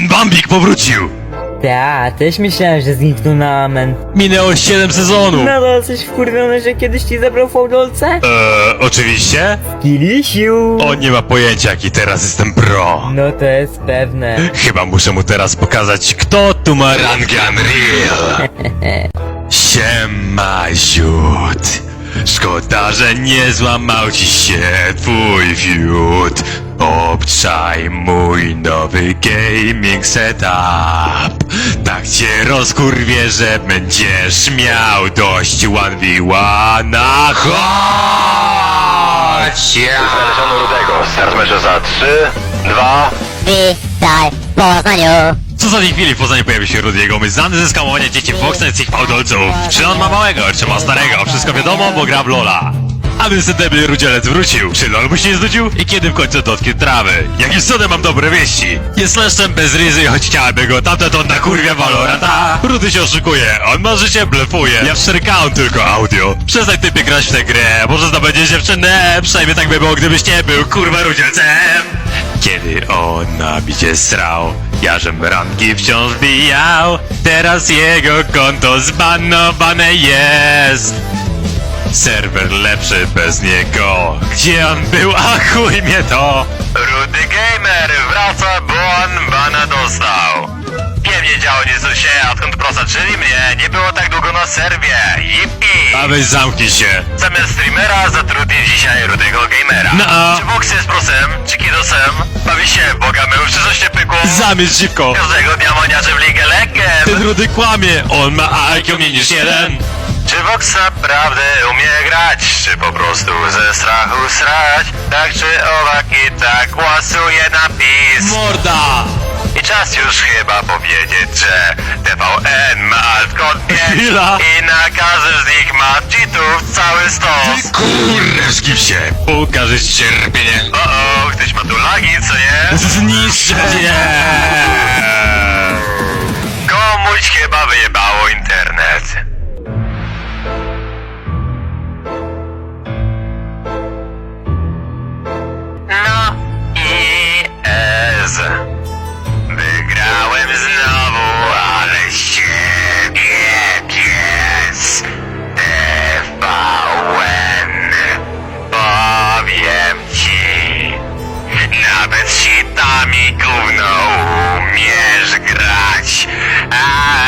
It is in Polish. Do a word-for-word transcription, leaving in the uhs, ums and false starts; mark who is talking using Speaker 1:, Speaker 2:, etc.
Speaker 1: ten Bambik powrócił!
Speaker 2: Ta, też myślałem, że zniknął na amen.
Speaker 1: Minęło siedem sezonów!
Speaker 2: Nadal jesteś wkurwiony, że kiedyś ci zabrał fałdolce?
Speaker 1: Eee, oczywiście?
Speaker 2: Kilisiu!
Speaker 1: On nie ma pojęcia, jaki teraz jestem pro.
Speaker 2: No to jest pewne.
Speaker 1: Chyba muszę mu teraz pokazać, kto tu ma rangę Unreal. Siema, ziut. Szkoda, że nie złamał ci się twój fiut. Obczaj mój nowy gaming setup. Tak cię rozkurwię, że będziesz miał dość one v one. Chodź!
Speaker 3: Znaleziono Rudego. Start meczu za trzy, dwa...
Speaker 4: Witaj w Poznaniu!
Speaker 1: Co za tej chwili w Poznaniu pojawi się Rudiego, my znany ze skamowania dzieci Foxnet z ich fałdolców. Czy on ma małego, czy ma starego? Wszystko wiadomo, bo gra w Lola. A więc ten debil rudzielec wrócił. Czy LOL mu się nie znudził? I kiedy w końcu dotknie trawy? Jakim cudem mam dobre wieści? Jest leszczem bez ryzy, choć chciałaby go tamta to na kurwia Valoranta. Rudy się oszukuje, on ma życie, blefuje. Ja wszerkałem tylko audio. Przestań typie grać w tę grę, może zdobędzie dziewczynę. Przynajmniej tak by było, gdybyś nie był kurwa rudzielcem. Kiedy on na bicie srał, ja żem ranki wciąż bijał. Teraz jego konto zbanowane jest. Serwer lepszy bez niego. Gdzie on był? A chuj mnie to!
Speaker 3: Rudy Gamer wraca, bo on bana dostał. Pewnie działo nieco się, a odkąd prosaczyli mnie, nie było tak długo na serwie. Yippie!
Speaker 1: A weź zamknij się.
Speaker 3: Zamiast streamera zatrudni dzisiaj Rudego Gamera.
Speaker 1: No a-
Speaker 3: Czy Vox jest prosem, czy kidosem? Bawi się w Boga mył, czy coś nie pykło?
Speaker 1: Zamierz szybko!
Speaker 3: Każdego dnia moniacze w Ligę Legend.
Speaker 1: Ten Rudy kłamie! On ma I Q mniej niż jeden!
Speaker 3: Czy Vox naprawdę umie grać? Czy po prostu ze strachu srać? Tak czy owak i tak głosuje na PiS.
Speaker 1: Morda!
Speaker 3: I czas już chyba powiedzieć, że T V N ma alt-kod pięć
Speaker 1: Chwila.
Speaker 3: i na każdym z nich ma cheatów cały stos.
Speaker 1: Kurde, zgib się! Pokażę ci cierpienie!
Speaker 3: O, o, ktoś ma tu lagi, co nie?
Speaker 1: Zniszczę cię!
Speaker 3: Komuś chyba wyjebało internet. No i ez. Wygrałem znowu, ale siebie pies. T V N. Powiem ci. Nawet sitami gówno umiesz grać. A